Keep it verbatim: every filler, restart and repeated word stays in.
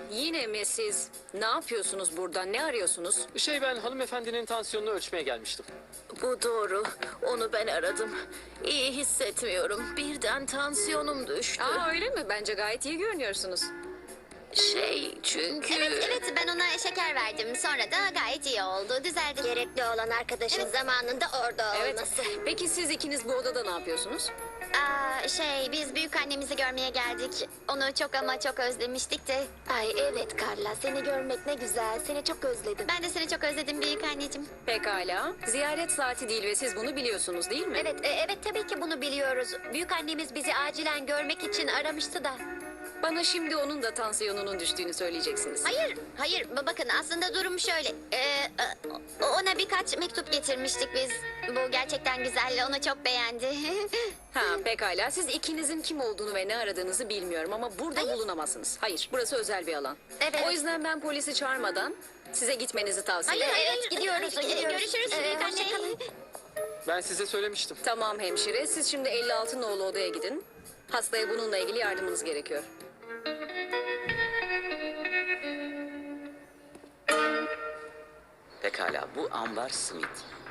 Yine mi siz? Ne yapıyorsunuz burada? Ne arıyorsunuz? Şey ben hanımefendinin tansiyonunu ölçmeye gelmiştim. Bu doğru. Onu ben aradım. İyi hissetmiyorum. Birden tansiyonum düştü. Aa öyle mi? Bence gayet iyi görünüyorsunuz. Şey çünkü... Evet evet ben ona şeker verdim. Sonra da gayet iyi oldu. Düzeldi. Gerekli olan arkadaşın zamanında orada Evet. olması. Peki siz ikiniz bu odada ne yapıyorsunuz? Aa, şey biz büyük annemizi görmeye geldik. Onu çok ama çok özlemiştik de. Ay evet Carla, seni görmek ne güzel. Seni çok özledim. Ben de seni çok özledim büyük anneciğim. Pekala. Ziyaret saati değil ve siz bunu biliyorsunuz değil mi? Evet, e, evet tabii ki bunu biliyoruz. Büyük annemiz bizi acilen görmek için aramıştı da. Bana şimdi onun da tansiyonunun düştüğünü söyleyeceksiniz. Hayır, hayır. Ba- Bakın aslında durum şöyle. Ee, e, ona birkaç mektup getirmiştik biz. Bu gerçekten güzel. Onu çok beğendi. Ha pekala. Siz ikinizin kim olduğunu ve ne aradığınızı bilmiyorum ama burada Hayır. bulunamazsınız. Hayır, burası özel bir alan. Evet. O yüzden ben polisi çağırmadan size gitmenizi tavsiye Hayır, ederim. evet gidiyoruz. gidiyoruz. Görüşürüz Ee, büyük hoşça anne. kalın. Ben size söylemiştim. Tamam hemşire. Siz şimdi elli altı nolu odaya gidin. Hastaya bununla ilgili yardımınız gerekiyor. Pekala, bu Ambar Smith.